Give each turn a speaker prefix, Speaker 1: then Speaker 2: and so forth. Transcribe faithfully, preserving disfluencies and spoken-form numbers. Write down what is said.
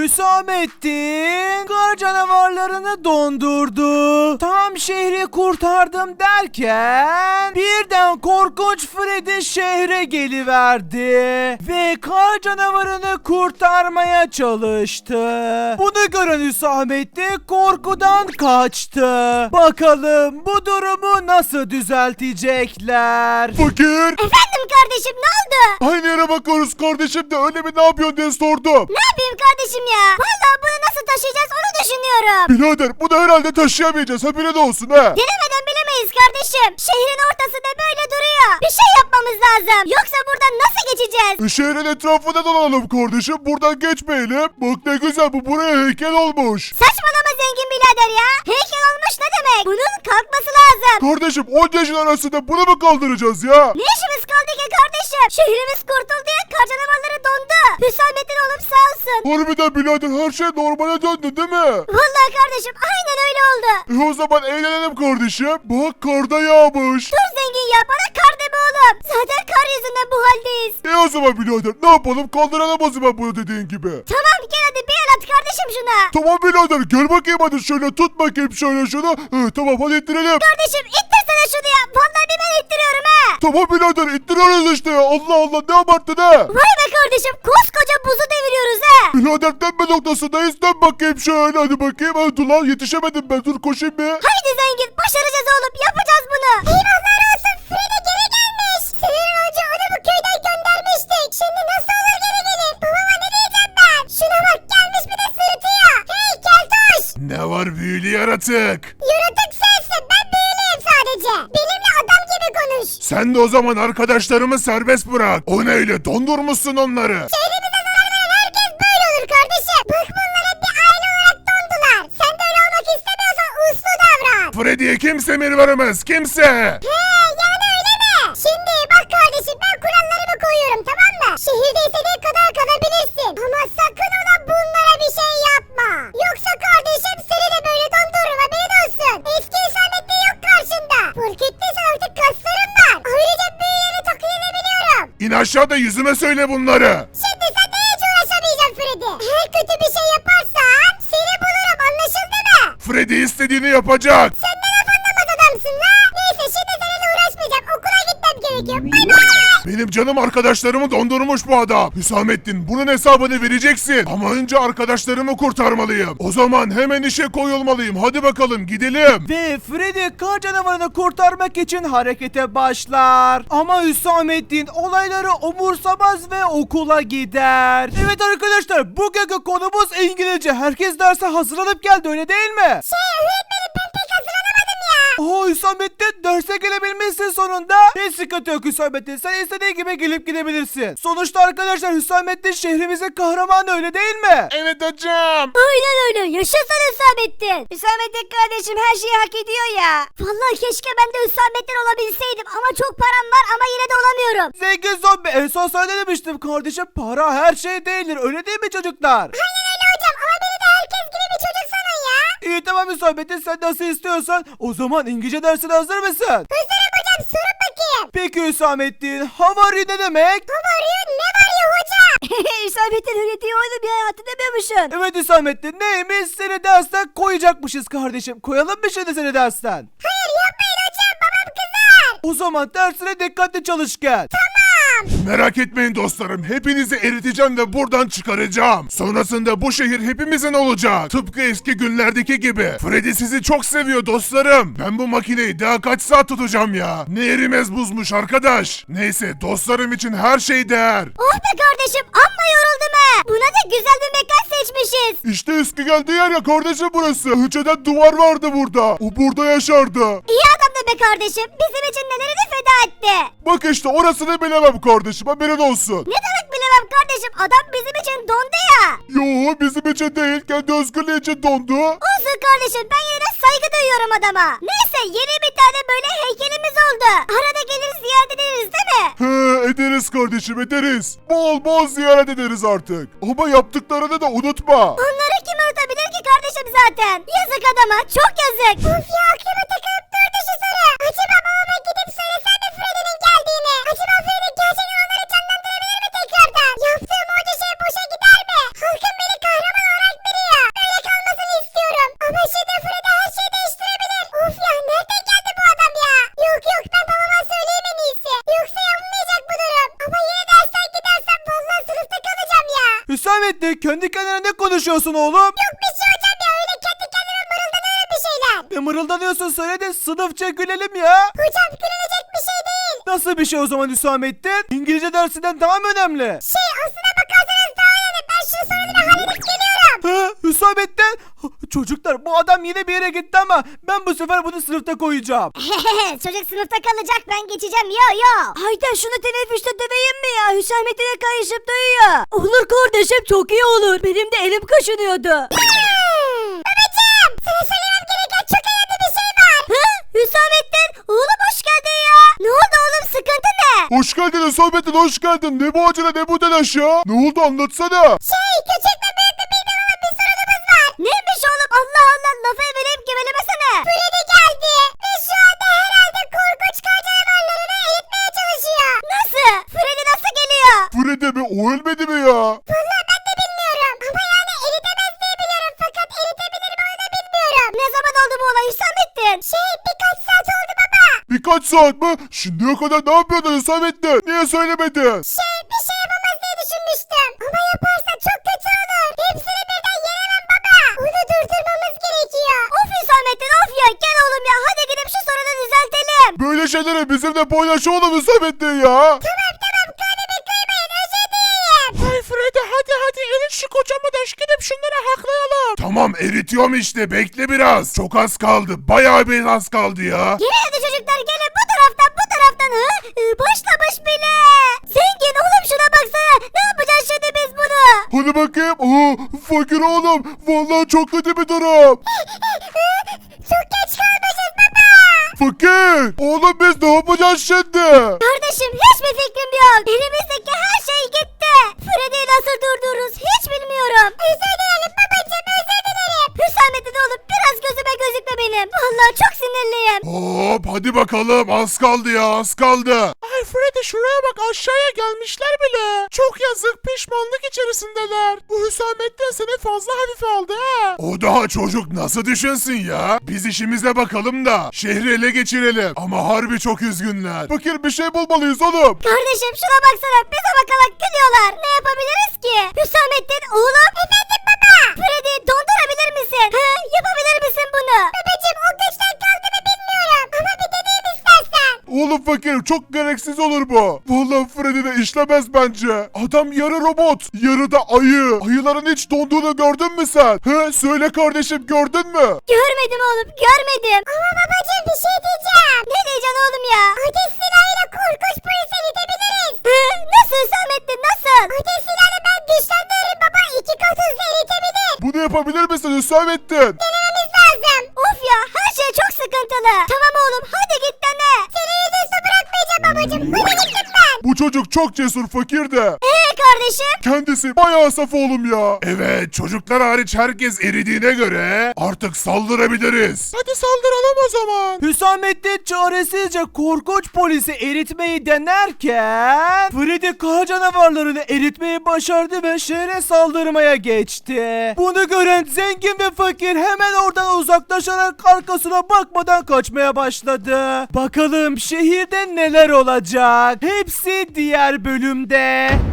Speaker 1: Hüsamettin kar canavarlarını dondurdu. Tam şehri kurtardım derken birden korkunç Freddy şehre geliverdi ve kar canavarını kurtarmaya çalıştı. Bunu gören Hüsamettin korkudan kaçtı. Bakalım bu durumu nasıl düzeltecekler?
Speaker 2: Fakir.
Speaker 3: Efendim kardeşim, ne oldu?
Speaker 2: Aynı yere bakıyoruz kardeşim de öyle mi, ne yapıyorsun diye sordum.
Speaker 3: Ne yapayım kardeşim ya? Vallahi bunu nasıl taşıyacağız onu düşünüyorum.
Speaker 2: Birader bunu herhalde taşıyamayacağız, haberin olsun ha.
Speaker 3: Denemeden bilemeyiz kardeşim. Şehrin ortasında böyle duruyor. Bir şey yapmamız lazım. Yoksa buradan nasıl geçeceğiz?
Speaker 2: E, şehrin etrafında dolanalım kardeşim, buradan geçmeyelim. Bak ne güzel, bu buraya heykel olmuş.
Speaker 3: Saçmalama zengin birader ya. Heykel olmuş ne demek? Bunun kalkması lazım.
Speaker 2: Kardeşim on yaşın arasında bunu mu kaldıracağız ya?
Speaker 3: Ne işimiz kaldı ki kardeşim? Şehrimiz kurtuldu ya, kar canavarları dondu. Hüsamettin oğlum sağ olsun.
Speaker 2: Harbiden birader her şey normale döndü değil mi?
Speaker 3: Vallahi kardeşim aynen öyle oldu.
Speaker 2: E o zaman eğlenelim kardeşim. Bak karda yağmış.
Speaker 3: Dur zengin ya, bana kar deme oğlum. Zaten kar yüzünden bu haldeyiz.
Speaker 2: E o zaman birader ne yapalım, kaldıralım o zaman bunu dediğin gibi.
Speaker 3: Tamam gel hadi bir el at kardeşim şuna.
Speaker 2: Tamam birader gel bakayım, hadi şöyle tut bakayım şöyle şunu. E, tamam hadi ittirelim.
Speaker 3: Kardeşim ittirsene şunu ya. Vallahi bir ben ittiriyorum ha.
Speaker 2: Tamam birader ittiriyoruz işte ya. Allah Allah ne abarttın ha.
Speaker 3: Vay be kardeşim, koskoca buzu deviriyoruz ha.
Speaker 2: Birader dönme noktasındayız, dön bakayım şöyle, hadi bakayım. Hadi dur lan, yetişemedim ben, dur koşayım bir.
Speaker 3: Haydi zengin, başaracağız oğlum, yapacağız bunu. Eyvallah olsun, Frida geri gelmiş. Senin önce onu bu köyden göndermiştik. Şimdi nasıl olur geri gelir? Babama ne diyeceğim ben? Şuna bak, gelmiş bir de sırıtıyor. Hey keltoş.
Speaker 2: Ne var büyülü yaratık?
Speaker 3: Yaratık sensin, ben büyülüyüm sadece. Benimle adam gibi konuş.
Speaker 2: Sen de o zaman arkadaşlarımı serbest bırak. O neyle dondurmuşsun onları?
Speaker 3: Şehrimize zarar veren herkes böyle olur kardeşim. Bak bunlar hep bir aile olarak dondular. Sen de öyle olmak istemiyorsan uslu davran.
Speaker 2: Freddy'ye kimse emir veremez, kimse.
Speaker 3: He yani öyle mi? Şimdi bak kardeşim, ben kurallarımı koyuyorum tamam mı? Şehirde istediğin kadar kalabilirsin. Ama sakın ola bunlara bir şey yapma. Yoksa kardeşim seni de böyle dondururum, haberin olsun. Eski Hüsamettin yok karşında. Fark ettiysen artık kaslarım var. Ayrıca büyüleri taklit edebiliyorum.
Speaker 2: İn aşağıda yüzüme söyle bunları.
Speaker 3: Şimdi sen de hiç uğraşamayacaksın Freddy. Eğer kötü bir şey yaparsan seni bulurum, anlaşıldı mı?
Speaker 2: Freddy istediğini yapacak.
Speaker 3: Sen de laf anlamaz adamsın la. Neyse şimdi seninle uğraşmayacağım. Okula gitmem gerekiyor. Bay bay.
Speaker 2: Benim canım arkadaşlarımı dondurmuş bu adam. Hüsamettin bunun hesabını vereceksin. Ama önce arkadaşlarımı kurtarmalıyım. O zaman hemen işe koyulmalıyım. Hadi bakalım gidelim.
Speaker 1: Ve Freddy kar canavarını kurtarmak için harekete başlar. Ama Hüsamettin olayları umursamaz ve okula gider. Evet arkadaşlar, bugünkü konumuz İngilizce. Herkes derse hazırlanıp geldi, öyle değil mi?
Speaker 3: Şey öğretmenim, ben pek hazırlanamadım ya.
Speaker 1: Oha Hüsamettin, derse gelebilmişsin sonunda. Hiç sıkıntı yok Hüsamettin, sen istediğin gibi gelip gidebilirsin. Sonuçta arkadaşlar Hüsamettin şehrimizin kahramanı, öyle değil mi?
Speaker 2: Evet hocam.
Speaker 3: Aynen öyle. Yaşasın Hüsamettin. Hüsamettin kardeşim her şeyi hak ediyor ya. Vallahi keşke ben de Hüsamettin olabilseydim. Ama çok param var ama yine de olamıyorum.
Speaker 1: Zengin zombi, en son sana demiştim kardeşim, para her şey değildir, öyle değil mi çocuklar?
Speaker 3: Aynen öyle hocam ama beni de herkes gibi bir çocuk sanın ya.
Speaker 1: İyi tamam Hüsamettin, sen nasıl istiyorsan. O zaman İngilizce dersine hazır mısın?
Speaker 3: Hazırım hocam, sorun bakayım.
Speaker 1: Peki Hüsamettin, how are you ne demek?
Speaker 3: Ne var ya, ne var ya hocam? Hüsamettin öyle diyor oğlum ya, hatırlamıyormuşsun.
Speaker 1: Evet Hüsamettin, neymiş, seni dersten koyacakmışız kardeşim. Koyalım mı şimdi seni dersten?
Speaker 3: Hayır yapmayın hocam, babam kızar.
Speaker 1: O zaman dersine dikkatli çalış gel.
Speaker 2: Merak etmeyin dostlarım. Hepinizi eriteceğim ve buradan çıkaracağım. Sonrasında bu şehir hepimizin olacak. Tıpkı eski günlerdeki gibi. Freddy sizi çok seviyor dostlarım. Ben bu makineyi daha kaç saat tutacağım ya. Ne erimez buzmuş arkadaş. Neyse dostlarım için her şey değer.
Speaker 3: Oh be kardeşim, amma yoruldum ha. Buna da güzel bir mekan seçmişiz.
Speaker 2: İşte eski geldiği yer ya kardeşim burası. Önceden duvar vardı burada. O burada yaşardı.
Speaker 3: İyi adam da be kardeşim, bizim için nelerini feda etti.
Speaker 2: Bak işte orasını bilemem kardeşim, haberin olsun.
Speaker 3: Ne demek bilemem kardeşim, adam bizim için dondu ya.
Speaker 2: Yo bizim için değil, kendi özgürlüğü için dondu.
Speaker 3: Olsun kardeşim, ben yine de saygı duyuyorum adama. Neyse yeni bir tane böyle heykelimiz oldu. Arada gelir ziyaret ederiz değil mi?
Speaker 2: He ederiz kardeşim ederiz. Bol bol ziyaret ederiz artık. Ama yaptıklarını da unutma.
Speaker 3: Onları kim unutabilir ki kardeşim zaten? Yazık adama, çok yazık. Of ya, aklıma takılıp durdu şu soru. Acaba babama gidip söylesem mi Freddy'nin geldiğini? Acaba Freddy gerçekten onları canlandırabilir mi tekrardan? Yaptığım onca şey boşa gider mi? Halkım beni kahraman olarak
Speaker 1: Hüsamettin kendi kendine ne konuşuyorsun oğlum?
Speaker 3: Yok bir şey hocam ya, öyle kendi kendime mırıldanıyorum bir şeyler.
Speaker 1: Ne mırıldanıyorsun, söyle de sınıfça gülelim ya.
Speaker 3: Hocam gülünecek bir şey değil.
Speaker 1: Nasıl bir şey o zaman Hüsamettin? İngilizce dersinden daha mı önemli?
Speaker 3: Şey aslına bakarsanız daha önemli. Ben şu sorunu bir halledip geliyorum.
Speaker 1: Ha, Hüsamettin? Çocuklar bu adam yine bir yere gitti ama ben bu sefer bunu sınıfta koyacağım.
Speaker 3: Çocuk sınıfta kalacak, ben geçeceğim yo yo.
Speaker 4: Haydi şunu teneffüste döveyim mi ya? Hüsamettin'e kayışıp duyuyor. Olur kardeşim, çok iyi olur. Benim de elim kaşınıyordu.
Speaker 3: Babacım sana söylemem gereken çok önemli bir şey var.
Speaker 4: Hı? Hüsamettin, oğlum hoş geldin ya. Ne oldu oğlum, sıkıntı ne?
Speaker 2: Hoş geldin Hüsamettin, hoş geldin. Ne bu acele, ne bu telaş ya? Ne oldu, anlatsana.
Speaker 3: Şey küçük ve büyük bir bilmem ama bir sorunumuz var.
Speaker 4: Neymiş oğlum, Allah Allah, lafı eveleyip gevelemesene.
Speaker 3: Freddy geldi ve şu anda herhalde korkunç kar canavarlarını eğitmeye çalışıyor.
Speaker 4: Nasıl? Freddy nasıl geliyor?
Speaker 2: Freddy mi? O ölmedi mi ya?
Speaker 3: Vallahi ben de bilmiyorum ama yani eritemez diye biliyorum fakat eritebilir mi onu da bilmiyorum.
Speaker 4: Ne zaman oldu bu olay Hüsamettin?
Speaker 3: Şey birkaç saat oldu baba.
Speaker 2: Birkaç saat mi? Şimdiye kadar ne yapıyordun Hüsamettin? Niye söylemedin?
Speaker 3: Şey bir şey yapamaz diye düşünmüştüm. Ama yaparsa çok kötü olur. Hepsini birden yenemem baba. Onu durdurmamız gerekiyor.
Speaker 4: Of Hüsamettin, of ya, gel oğlum ya, hadi gidip şu sorunu düzeltelim.
Speaker 2: Böyle şeyleri bizimle paylaş oğlum Hüsamettin ya.
Speaker 3: Tamam tamam kalbimi kıymayın, özür dileyim.
Speaker 2: Hay Freddy, hadi hadi erit şu kocamı da gidip şunları haklayalım. Tamam, eritiyorum işte, bekle biraz. Çok az kaldı, bayağı bir az kaldı ya.
Speaker 4: Gelin hadi çocuklar, gelin bu taraftan, bu taraftan. Hı? Ee, başlamış bile. Zengin oğlum, şuna baksana. Ne yapacağız şimdi biz bunu?
Speaker 2: Hadi bakayım. Aa, fakir oğlum. Vallahi çok kötü bir durum.
Speaker 3: Çok geç kalmışız baba.
Speaker 2: Fakir. Oğlum biz ne yapacağız şimdi?
Speaker 4: Kardeşim, hiçbir fikrim yok. Elimizdeki her şey gitti. Freddy'yi nasıl durdururuz hiç bilmiyorum.
Speaker 3: Özür dilerim babacığım, özür dilerim.
Speaker 4: Hüsamettin oğlum, biraz gözüme gözükme benim. Vallahi çok sinirliyim.
Speaker 2: Hop hadi bakalım, az kaldı ya, az kaldı. Ay Freddy, şuraya bak, aşağıya gelmişler bile. Çok yazık, pişmanlık içerisindeler. Bu Hüsamettin seni fazla hafife aldı ha. O daha çocuk, nasıl düşünsün ya? Biz işimize bakalım da şehri ele geçirelim. Ama harbi çok üzgünler. Fakir, bir şey bulmalıyız oğlum.
Speaker 4: Kardeşim şuna baksana, bize bakarak gülüyorlar. Ne yapabiliriz ki? Hüsamettin oğlum. Efendim baba. Freddy dondurabilir misin? He, yapabilir misin bunu?
Speaker 3: Babacığım o güçten kaldı mı bilmiyorum. Ama bir deneyim istersen.
Speaker 2: Oğlum fakir, çok gereksiz olur bu. Vallahi Freddy de işlemez bence. Adam yarı robot, yarı da ayı. Ayıların hiç donduğunu gördün mü sen? He, söyle kardeşim, gördün mü?
Speaker 4: Görmedim oğlum, görmedim.
Speaker 3: Ama babacığım bir şey diyeceğim.
Speaker 4: Ne diyeceksin oğlum ya?
Speaker 3: Ateş silahıyla korkunç polis eritebiliriz.
Speaker 4: He, nasıl Hüsamettin, nasıl?
Speaker 3: Ateş silahını ben güçlendiririm baba. İki kat hızlı eritebilir.
Speaker 2: Bunu yapabilir misin Hüsamettin?
Speaker 3: Denememiz lazım.
Speaker 4: Of ya, her şey çok sıkıntılı. Tamam oğlum, hadi git dene.
Speaker 3: Seni yüzüstü bırakmayacağım babacığım. Hadi git lütfen.
Speaker 2: Bu çocuk çok cesur fakir de.
Speaker 4: Ee kardeşim?
Speaker 2: Kendisi bayağı saf oğlum ya. Evet, çocuklar hariç herkes eridiğine göre artık saldırabiliriz. Hadi saldıralım o zaman.
Speaker 1: Hüsamettin çaresizce korkunç polisi eritmeyi denerken Freddy kara canavarlarını eritmeyi başardı ve şehre saldırmaya geçti. Bunu gören zengin ve fakir hemen oradan uzaklaşarak arkasına bakmadan kaçmaya başladı. Bakalım şehirde neler olacak? Hepsi diğer bölümde.